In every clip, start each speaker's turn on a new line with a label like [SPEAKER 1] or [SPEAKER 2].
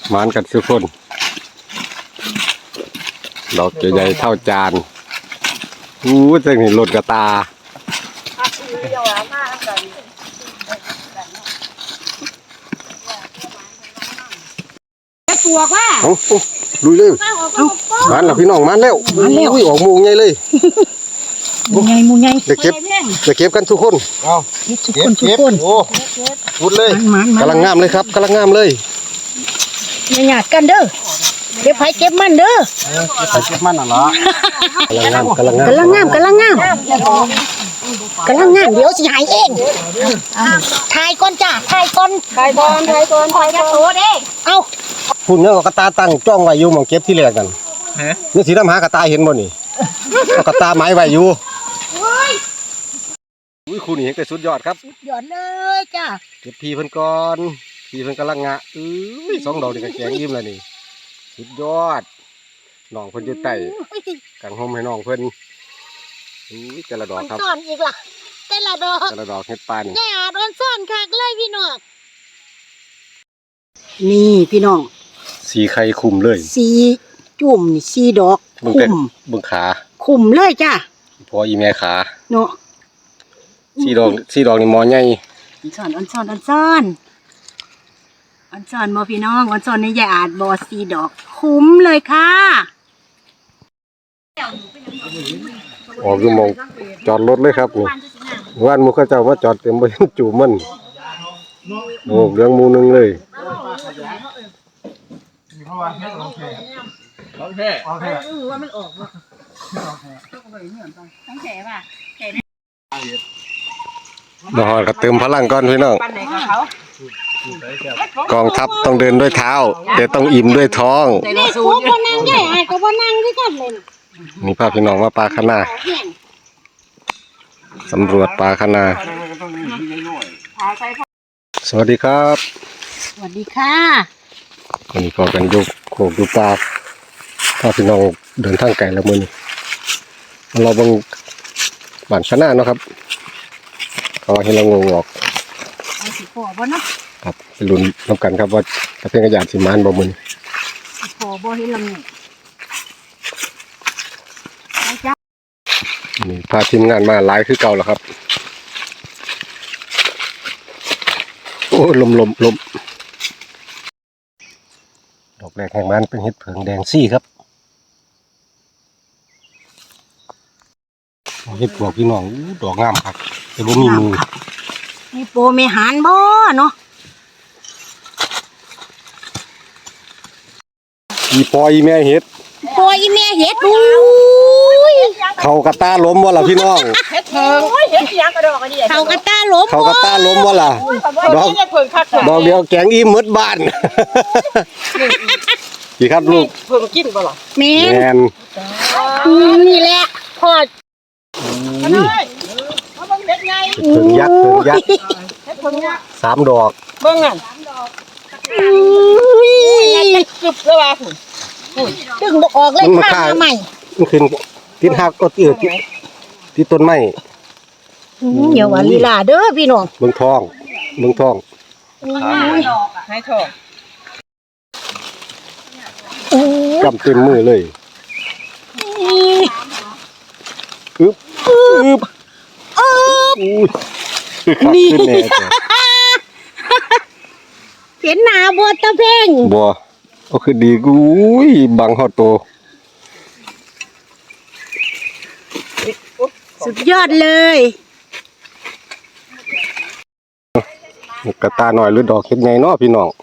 [SPEAKER 1] หมานกันทุกคนดอกใหญ่ๆเท่าจานจะเห็นหลดกระตา
[SPEAKER 2] ปวกว่า
[SPEAKER 1] ลุยเลยมันแล้วพี่น้องมันแล้วอุ้ยออกมูงใหญ่เลย
[SPEAKER 2] มูไง
[SPEAKER 1] เดี๋ยวเก็บกันทุกคน
[SPEAKER 2] ทุกคน
[SPEAKER 1] โอ้พูดเลยกำลังงามเลยครับกำลังงามเลย
[SPEAKER 2] อย่าหยาดกันเด้อเก็บไผ่เก็บมันเด้อ
[SPEAKER 1] เก็บมันน่ะเหรอกำลังงาม
[SPEAKER 2] เดี๋ยวสิหายเองถ่ายก่อนจ้าถ่ายก่อนคอยจะโตเด้เอา
[SPEAKER 1] พุ่นเนี่ยกระตาตั้งจ้องไว้อยู่หม่องเก็บที่แรกกันนี่สีดำหากระตาเห็นบ่นี่กระตาไม้ไว้อยู่อุ้ยคุณนี่เห็นแต่สุดยอดครับ
[SPEAKER 2] สุดยอดเลยจ้า
[SPEAKER 1] เก็บพีเพิ่นก่อนพีเพิ่นกำลังงะ2 ดอกนี่ก็แกงยิ้มแล้วนี่สุดยอดน้องเพิ่นอยู่ใต้กังห่มให้น้องเพิ่นแต่ละดอกครับ
[SPEAKER 2] ซ่อนอีกล่ะแต่ละดอก
[SPEAKER 1] เฮ็ดปลานี่
[SPEAKER 2] แก่โดนซ่อนคักเลยพี่น้องนี่พี่น้อง
[SPEAKER 1] สีไข่คุมเลย
[SPEAKER 2] สีจุ่มนี่สีดอก
[SPEAKER 1] คุมบึงขา
[SPEAKER 2] คุมเลยจ้า
[SPEAKER 1] พออีแม่ขา
[SPEAKER 2] เนาะ
[SPEAKER 1] สีดอกนี่มอใหญ่
[SPEAKER 2] ซ่อนบ่พี่น้องซ่อนในยายอาจบ่สีดอกคุ้มเลยค่ะ
[SPEAKER 1] ออกอยู่มองจอดรถเลยครับนี่ว่านหมู่เขาเจ้ามาจอดเต็มบ่เห็นจูมันโอ้เรื่องหมู่นึงเลยว่ามันออกว่ะทั้งแผลป่ะมาหอดก็เติมพลังก่อนพี่น้องกองทัพต้องเดินด้วยเท้าแต่ต้องอิ่มด้วยท้อง
[SPEAKER 2] นี่กูบ่นั่งใหญ่ไอ้ก็บ่นั่งคือกันเลย
[SPEAKER 1] นี่พาพี่น้องมาปลาคะนาสำรวจปลาคะนาสวัสดีครับ
[SPEAKER 2] สวัสดีค่ะ
[SPEAKER 1] วันนี้พอกันยกโขกดูปลาพาพี่น้องเดินทางไกลแล้วมื้อนี้เราบังบ้านคะนาเนาะครับเขาให้เรางงออก
[SPEAKER 2] พอบ่เนาะ
[SPEAKER 1] ครับไปลุ้นน้ำกันครับว่าจะเป็นกระยาดสิมานบ่มื้อนี้
[SPEAKER 2] พอบ่ให้ลำ
[SPEAKER 1] นี่พาทีมงานมาหลายคือเก่าแล้วครับโอ้ลมดอกแรกแห่งบ้านเป็นเห็ดเผิงแดงซี่ครับเห็ดปวกพี่น้องดอกงามครับแต่บ่มีมือ
[SPEAKER 2] มีโปมีหานบ่เนาะ
[SPEAKER 1] อีปอยแม่เห็ด
[SPEAKER 2] ปอยแม่เห็ดดู
[SPEAKER 1] เขากระตาล้มวะล่ะพี่น้อง
[SPEAKER 2] เห็ดเผิงเห็ดยังกระดอกอันนี้เขากระตาล้
[SPEAKER 1] มวะล่ะดอกเดียวแกงอิ่มหมดบ้านกี่ครับลูก
[SPEAKER 2] เผิงกินบ่ล่ะแม่
[SPEAKER 1] น
[SPEAKER 2] นี่แหละพอด
[SPEAKER 1] เผิงยักษ์3 ดอก
[SPEAKER 2] เบิ่งอ่ะกึบแล้วว่าดึงบ่ออกเลยข้างใหม่
[SPEAKER 1] มันขึ้นติดหักก็ติดต้นไม้
[SPEAKER 2] เดี๋ยวว่าลีลาเด้อพี่น้อง
[SPEAKER 1] เบิ่งทอง
[SPEAKER 2] ให้ทอง
[SPEAKER 1] กำเต็มมือเลยนี่
[SPEAKER 2] เห็นหน้าบ่ตะเพ่ง
[SPEAKER 1] บ่ก็คือดีกูบังฮอดโต
[SPEAKER 2] สุดยอดเลย
[SPEAKER 1] กระตาหน่อยหรือดอกเห็ดไงเนาะพี่น้อง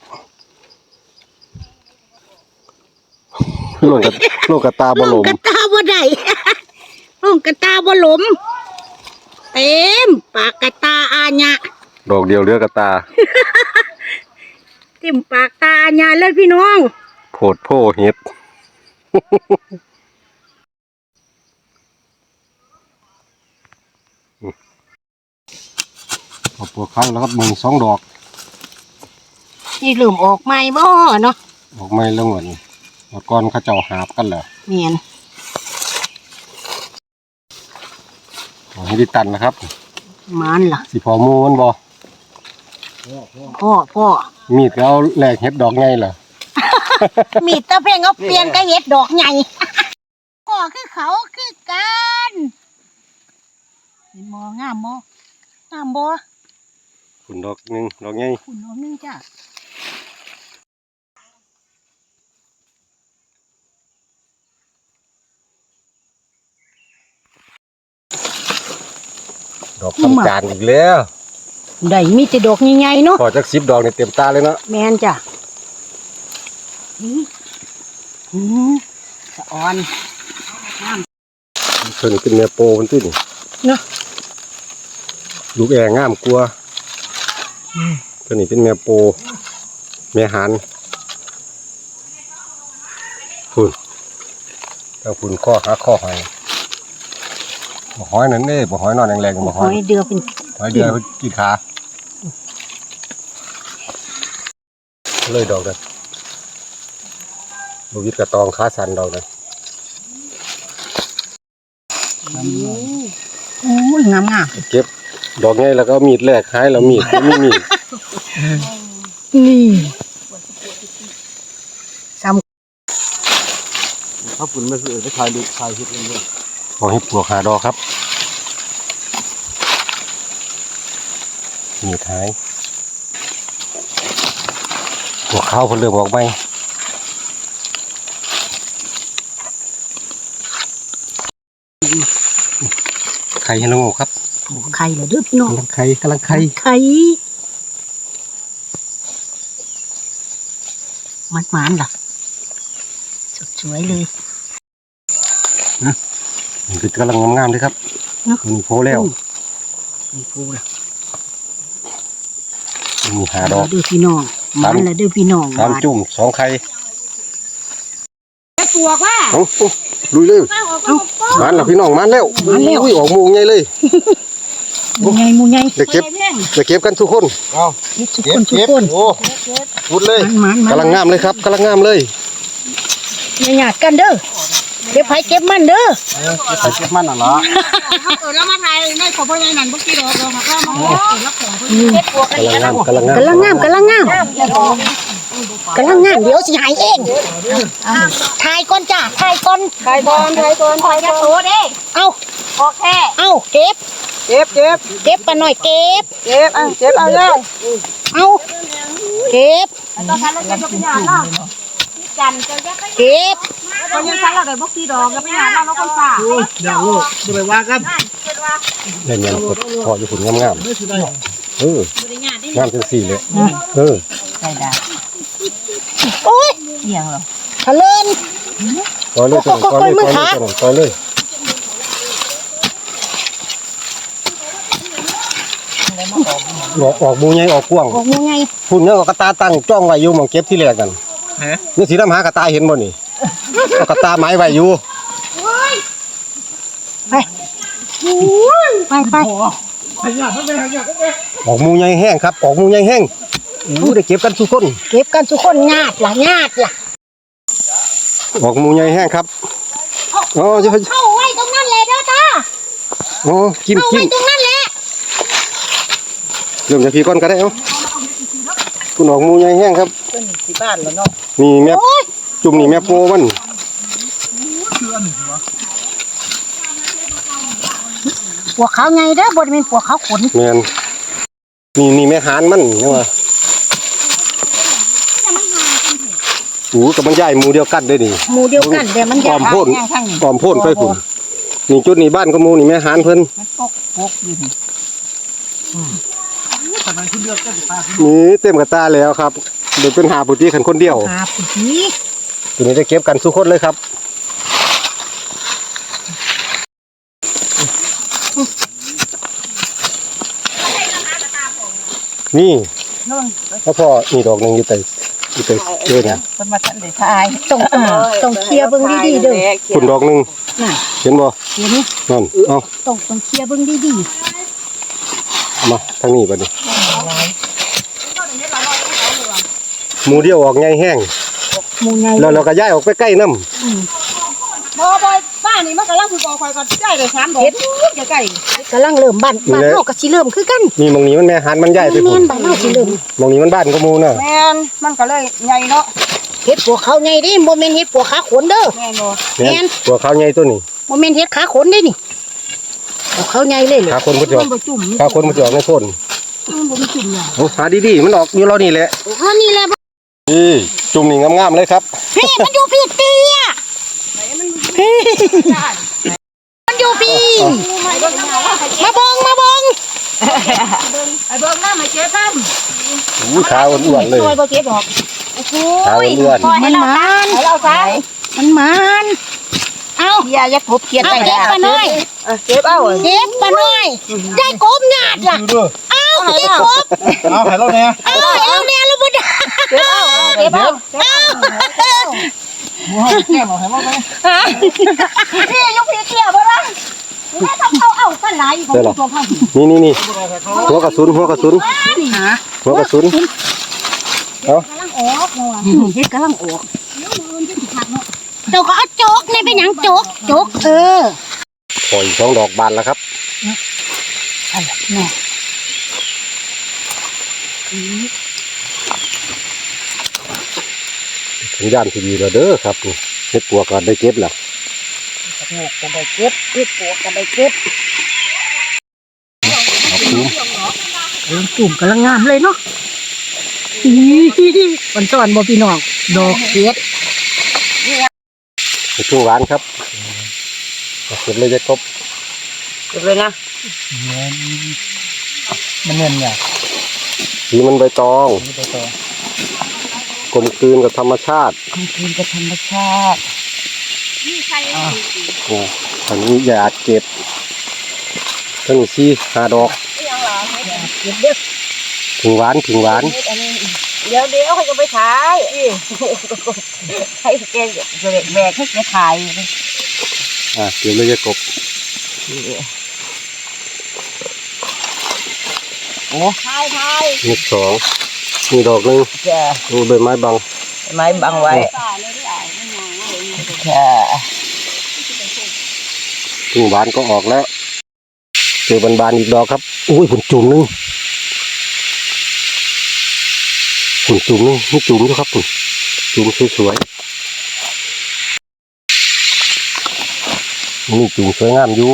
[SPEAKER 1] ลงกระตาบ่หลม
[SPEAKER 2] กระตาบ่ได้ลงกระตาบ่หลมเต็มปากกระตาอาญะ
[SPEAKER 1] ดอกเดียวเรือกระตา
[SPEAKER 2] เต็มปากตาอาญะเลยพี่น้อง
[SPEAKER 1] โพดโพเห็ดเอาปวดข้างแล้วครับมึง2 ดอก
[SPEAKER 2] นี่ลืมออกใหม่บ่เนาะ
[SPEAKER 1] ออกใหม่แล้วเหมือนก่อนเขาเจ้าหาบกันเหรอ
[SPEAKER 2] เมียน
[SPEAKER 1] ให้ดิตันนะครับ
[SPEAKER 2] มันล่ะ
[SPEAKER 1] สิพอมูมันบ่
[SPEAKER 2] พ่อ
[SPEAKER 1] มีดเขาแหลกเห็ดดอกไงเหรอ
[SPEAKER 2] มีดตะเพ่งเอาเปลี่ยนกระเห็ดดอกใหญ่ก็คือเขาคือกันเห็นมองามบ่งามบ่
[SPEAKER 1] ฝุ่นดอกหนึ่งดอกใหญ่
[SPEAKER 2] คุณดอกนึงจ้ะ
[SPEAKER 1] ดอกทำจานอีกแล้ว
[SPEAKER 2] ได้มีแต่ดอกใหญ่ๆเนาะ
[SPEAKER 1] พอจาก10 ดอกเนี่ยเต็มตาเลยเนาะ
[SPEAKER 2] แม่นจ้ะสะออน
[SPEAKER 1] เพิ่นเป็นแม่โปมันตื้นี่
[SPEAKER 2] เนาะ
[SPEAKER 1] ลูกแองามกลัวเพิ่นนี่เป็นแม่โปแม่หานฝุ่นถ้าฝุ่นข้อหาข้อหอยบ่หอยนั่นเด้บ่หอยนอนแรงๆบ่
[SPEAKER 2] ห
[SPEAKER 1] หอ
[SPEAKER 2] อย ยเดือเป็น
[SPEAKER 1] หอยเดือยกินขาเลยดอกเลยบวิดกระตองขาสันดอกเลย
[SPEAKER 2] โอ้ยงาม
[SPEAKER 1] เก็บดอกไงแล้วก็มีดแรกหายแล้วมีดไม่มีด
[SPEAKER 2] ๆนี่ซ้
[SPEAKER 3] ถ้าฝุ่นไม่ซื้อไปถ่ายดูถ่ายคลิปเรื่อย
[SPEAKER 1] ขอให้ปลวกหาดอกครับมีดหายหัวเข้าเพนเริ่มออกไหมไข่ให้น้องโง่ครับ
[SPEAKER 2] ำไข่เหรอเด้อพี่น้อง
[SPEAKER 1] กำลังไข่กำลังไข่
[SPEAKER 2] ไข่มันๆล่ะสวยๆเลย
[SPEAKER 1] นี่คือกำลังงามๆเลยครับ
[SPEAKER 2] เนาะ
[SPEAKER 1] มีโพแล้ว
[SPEAKER 2] นี่กูล่ะ
[SPEAKER 1] มีหาดอก
[SPEAKER 2] เด้อพี่น้องมันละเด้อพี่น้อง
[SPEAKER 1] สามจุ่ม2 ไข่
[SPEAKER 2] ปลวกว่า
[SPEAKER 1] เอาลุยเลยมันแล้วพี่น้องมันแล้วอุ้ยออกมูงใหญ่เลย
[SPEAKER 2] มูใหญ่มูใหญ่
[SPEAKER 1] เดี๋ยวเก็บกันทุกคน
[SPEAKER 3] ๆเอา
[SPEAKER 2] ทุกคนทุกคน
[SPEAKER 3] โอ้พูดเลย
[SPEAKER 2] มัน
[SPEAKER 1] กำลังงามเลยครับกำลังงามเลย
[SPEAKER 2] อย่าหยาดกันเด้อเก็บไผเก็บมันเด้อ
[SPEAKER 3] ใส่เก็บมันน่ะเหรอ
[SPEAKER 2] แล้วมาไทยในขอพ่อใหญ่นั่นพวกที่ดอกค่ะก็มาเก็บปลวก
[SPEAKER 1] กำลังงาม
[SPEAKER 2] กำลังงามกำลังงามเดี๋ยวสิหายเองทายก่อนจ้าทายก่อนทายก่อนจะโตเด้เอาโอเคเอาเก็บปะหน่อยเก็บเอาเลยเอาเก็บเก็บ
[SPEAKER 4] เขายังใช้เราได้บกตีดอกกับไม่หาเราคนป่า
[SPEAKER 3] เดี๋ยวลูกจะไปว่ากัน
[SPEAKER 1] เล่นยังกดพออยู่ผลงามงามจังสี่เลยเออ
[SPEAKER 4] ใช่ได้
[SPEAKER 2] โอ้ย
[SPEAKER 4] เหี่ยงเหรอ
[SPEAKER 2] ทะเลิน
[SPEAKER 1] ต่อเลยต่อเลยออกมูใหญ่ออกกว้าง
[SPEAKER 2] ออกยังไง
[SPEAKER 1] พุ่นเนี่ยกระตาตั้งจ้องไว้อยู่มองเก็บที่แรกกันนี่สีน้ำหากระตาเห็นบ่นี่กระตาไม้ไว้อยู่
[SPEAKER 2] ไป
[SPEAKER 1] ออกมูใหญ่แห้งครับออกมูใหญ่แห้งได้เก็บกันทุกคน
[SPEAKER 2] เก็บกันทุกคนญาติล่ะ
[SPEAKER 1] ออกมูใหญ่แห้งครับอ๋อจะ
[SPEAKER 2] เข้าไว้ตรงนั้นเลยเด้อตา
[SPEAKER 1] อ๋อกิน
[SPEAKER 2] เข้าไว้ตรงนั้นแหละ
[SPEAKER 1] เริ่มจากพี่ก้อนก็ได้เอ้าคุณออกมูใหญ่แห้งครับ
[SPEAKER 4] ที่บ้านแล้วเนาะ
[SPEAKER 1] นี่แม่จุ่มนี่แม่โปมัน
[SPEAKER 2] ปวกเขาไงเด้อบนเป็นปวกเขาขน
[SPEAKER 1] แม่นนี่แม่หานมันยังว่ากับมันใหญ่หมูเดียวกันด้วยนี่
[SPEAKER 2] หมู่เดียวกันแต่มัน
[SPEAKER 1] ป
[SPEAKER 2] ให
[SPEAKER 1] ล
[SPEAKER 2] ญ่
[SPEAKER 1] อมพ่นปลอมพ่นไปฝุ่นนี่จุดนี่บ้านก็มูนี่แม่หานเพิ่น
[SPEAKER 4] มันปกอยู่นี่
[SPEAKER 1] นี่เต็มกระตาแล้วครับเดี๋ยวเป็นหาปุติขันคนเดียว
[SPEAKER 2] หาปุ๋ย
[SPEAKER 1] ตัวนี้ได้เก็บกันทุกคนเลยครับนี่แล้วพอนี่ดอกหนึงอยู่แต่เจอเนี่ย
[SPEAKER 4] มันมาทันได้ทาย
[SPEAKER 2] ต้องเคลียร์เบิ่งดีๆเด้อ
[SPEAKER 1] คุณดอกหนึง
[SPEAKER 2] น่ะ
[SPEAKER 1] เห็นบ่
[SPEAKER 2] เห็น
[SPEAKER 1] นั่นเอา
[SPEAKER 2] ต้องเคลียร์เบิ่งดี
[SPEAKER 1] เอามาทางนี้บัดนี้หมูเดียวออกไงแห้ง
[SPEAKER 2] ๆหมู่ใหญ่
[SPEAKER 1] แล้วเราก็ย้ายออกไปใกล้น้
[SPEAKER 4] บ่บ้านนี่มันกำลังคือคอยก็ได้เลย3ดอกจะใกล้
[SPEAKER 2] กำลังเริ่มบ้านเฮาก็สิเริ่มคือกัน
[SPEAKER 1] ำนี่มองนี้มันแม่หันมันย้ายไป
[SPEAKER 2] แม่
[SPEAKER 1] พุ่น
[SPEAKER 2] นบ้านเฮาสิเริ่ม
[SPEAKER 1] มองนี้มันบ้านก็มูน่ะ
[SPEAKER 4] แม่นมันก็เลยใหญ่เนาะ
[SPEAKER 2] เห็ดปวกเขาใหญ่ดิโมเมนเห็ดปวกขาขนเด้อ
[SPEAKER 4] แม่นบ่
[SPEAKER 1] แม่นตัวขาวใหญ่ตัวนี้
[SPEAKER 2] โมเมนเห็ดขาขนได้นี่ปวกเขาใหญ่เลยเลย
[SPEAKER 1] ขาคนมันจะออก
[SPEAKER 4] บ่จุ่ม
[SPEAKER 1] ขาคนมันจะออกในพ่น
[SPEAKER 4] มันบ่มีจุ่มหยัง
[SPEAKER 1] เอาหาดีๆมันออกอยู่เรานี่แหละ
[SPEAKER 2] อ๋อนี่แหละ
[SPEAKER 1] นี่จุ่มนี่งามๆเลยครับ
[SPEAKER 2] พี่มันอยู่พี่เตี้ยพี่มันอยู่พี่มาเบิ่ง
[SPEAKER 4] ไอ้เบิ่งหน้ามาเจ๊ทำ
[SPEAKER 1] อู้ขาอ้วนๆเลย
[SPEAKER 4] ซอยบ่เจ๊ดอกโอ้โห
[SPEAKER 1] ขาอ้วน
[SPEAKER 2] มันมัน
[SPEAKER 4] ให้เราซะ
[SPEAKER 2] มันเอา
[SPEAKER 4] อย่ากบเขียน
[SPEAKER 2] เอา
[SPEAKER 4] ไป
[SPEAKER 2] เก็บปลาน้อย
[SPEAKER 4] เก็บเอา
[SPEAKER 2] เก็บปลาน้อยได้กบหยาดล่ะ
[SPEAKER 3] ดูด้วย
[SPEAKER 2] เอาเก็บกบ
[SPEAKER 3] เอาให้เราเนี่ย
[SPEAKER 2] เอาเนี่ยลูกบุญ
[SPEAKER 4] เก็บเอาเก็บเอา
[SPEAKER 3] หมูให้แก้มเอาให้เราไหม
[SPEAKER 2] พี่ยกพี่เตี้ยบ่ล่ะแม่ทำเอากันหลายของตัวพัง
[SPEAKER 1] นี่หัวกระสุนหัวกระสุน
[SPEAKER 2] หา
[SPEAKER 1] หัวกระสุน
[SPEAKER 2] กำลังออกเฮ็ดกำลังออกเจ้าก็เอาโจกนี่เป็นหยังโจก
[SPEAKER 1] ปล่อย2 ดอกบานแล้วครับ
[SPEAKER 2] แม่
[SPEAKER 1] สัญญาณที่ดีแล้วเด้อครับนี่เฮ็ดปวกก็ได้เก็บแล้ว
[SPEAKER 2] กันได้เก็บเฮ็ดปวกกันได้เก็บ
[SPEAKER 1] เอาคุ้ม
[SPEAKER 2] กลุ่มกำลังงามเลยเนาะมันสอนบ่พี่น้องดอกเก็ด
[SPEAKER 1] ในช่วงร้านครับเอาเก็บเลยจะครบ
[SPEAKER 4] เก็บเลยนะ
[SPEAKER 3] มันเนียนเนี่ย
[SPEAKER 1] สีมันใบตอง
[SPEAKER 3] นี่ไปต่อก
[SPEAKER 1] ลมกลืนกับธรรมชาติ
[SPEAKER 2] คืนกับธรรมชาติ
[SPEAKER 1] โอ้อันนี้อย่าเก็บทั้งสี่5 ดอก
[SPEAKER 2] เก็บเด้อ
[SPEAKER 1] ถึงหวาน
[SPEAKER 4] เดี๋ยวเขาจะไปขายให้แกแบกให้แกขาย
[SPEAKER 1] เก็บเลยจะกบ
[SPEAKER 4] ขาย
[SPEAKER 1] นี่2นี่ดอกหนึง
[SPEAKER 4] จะ
[SPEAKER 1] ดูใบไม้บัง
[SPEAKER 4] ไม้บังไว้จะ
[SPEAKER 1] ถึงหวานก็ออกแล้วเจอบานๆอีกดอกครับอุ้ยผุนจุ่มหนึงผุนจุ่มหนึงนี่จุ่มอยู่ครับผุนจุ่มสวยๆนี่จุ่มสวยงามอยู่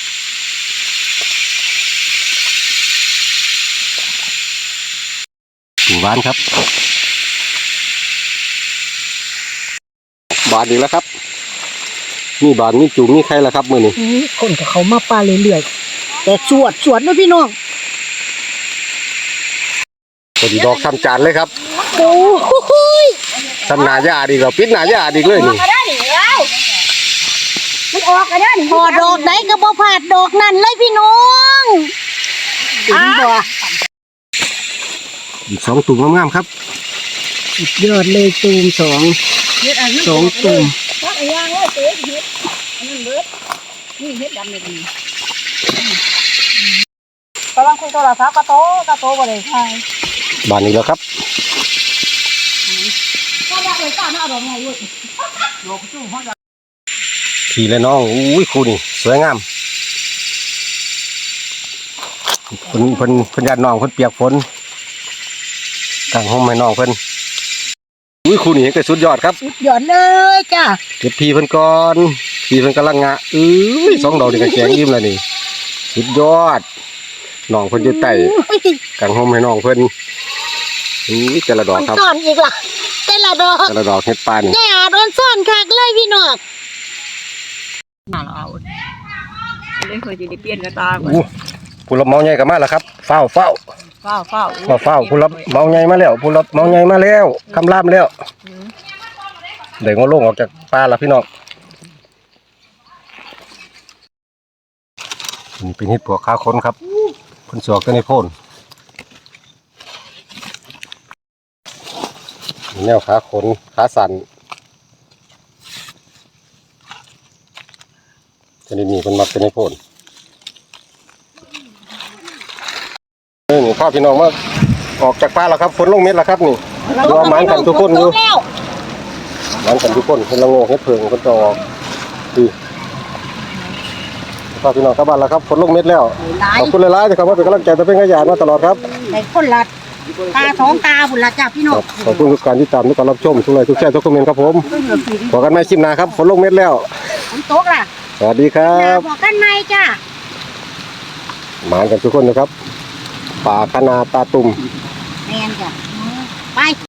[SPEAKER 1] ถึงหวานครับบานอีกแล้วครับนี่บานนี่จุ่มนี่ใครล่ะครับมือนี่
[SPEAKER 2] คนกับเขามาปลาเรื่อยๆแต่สวดนะพี่น้อง
[SPEAKER 1] พอดีดอกทำจานเลยครับ
[SPEAKER 2] โอ้โห
[SPEAKER 1] ทำหนาหญ้าดีกว่าปิดหนาหญ้าดีเลยนี่
[SPEAKER 2] มันออกกันได้พอดอกไหนก็บ่พลาดดอกนั่นเลยพี่น้องถึงบ่
[SPEAKER 1] อีก2 ตุ่มงามๆครับ
[SPEAKER 2] สุดยอดเลยตูม2ตุ่ม
[SPEAKER 4] กำลังคุยโทรศัพท์กระโตบ่ได้ขาย
[SPEAKER 1] บานนี้แล้วครับ ขี่เลยน้องอุ้ยครูนี่สวยงามเพิ่นญาติน้องเพิ่นเปียกฝนตั้งห้องให้น้องเพิ่นอุ้ยครูนี่ก็สุดยอดครับ
[SPEAKER 2] สุดยอดเลยจ้า
[SPEAKER 1] เก็บพีเพิ่นก่อนพีเพิ่นกำลังงะ2 ดอกนี่ก็แกงอิ่มแล้วนี่สุดยอดน้องเพิ่นอยู่ใต้กางห้องให้น้องเพิ่นอุ้ยแต่ละดอกครับ
[SPEAKER 2] ซ่อนอีกล่ะแต่ละดอก
[SPEAKER 1] แต่ละดอกเฮ็ดปาน
[SPEAKER 2] แก่โดนซ่อนคักเลยพี่น้อง
[SPEAKER 4] น่าเราเอาเลยเคยจะได้เปลี่ยนกระตาก่อน
[SPEAKER 1] อู้ผู้รับเหมาใหญ่ก็มาแล้วครับเฝ้า
[SPEAKER 4] เฝ้า
[SPEAKER 1] ผู้รับเหมาใหญ่มาแล้วผู้รับเหมาใหญ่มาแล้วคำรามแล้วเดี๋ยวงอลงออกจากป่าแล้วพี่น้องนี่เป็นเห็ดปวกขาคนครับคนสวกกันในโพนแนวขาขนขาสั่นจะได้มีคนมักเป็นในโพนนี่พ่อพี่น้องมาออกจากป่าแล้วครับฝนลงเม็ดแล้วครับนี่รอหมานกันทุกคนอยู่หมานกันทุกคนเป็นละโงกเฮ็ดเพิงคนจะออกดีพ่อพี่น้องกลับบ้านแล้วครับฝนลงเม็ดแล้วขอบคุณหลายๆที่เข้ามาเป็นกำลังใจและเป็นขยันมาตลอดครับ
[SPEAKER 2] ในคนละตาท้องตาบุญละจ้ะพี่น้
[SPEAKER 1] ค
[SPEAKER 2] อง
[SPEAKER 1] รับขอบคุณทุกการที่ตามทุกการรับชมทุกไลค์ทุกแชร์ทุกคอมเมนต์ครับผมขอกันใหม่คลิปหน้าครับฝนลงเม็ดแล้ว
[SPEAKER 2] ฝนตกล่ะ
[SPEAKER 1] สวัสดีครั
[SPEAKER 2] นา
[SPEAKER 1] บ
[SPEAKER 2] บอกกันไหมจ้ะ
[SPEAKER 1] หมานกันทุกคนนะครับป่าคณาตาตุ่ม
[SPEAKER 2] แมนจ้ะไป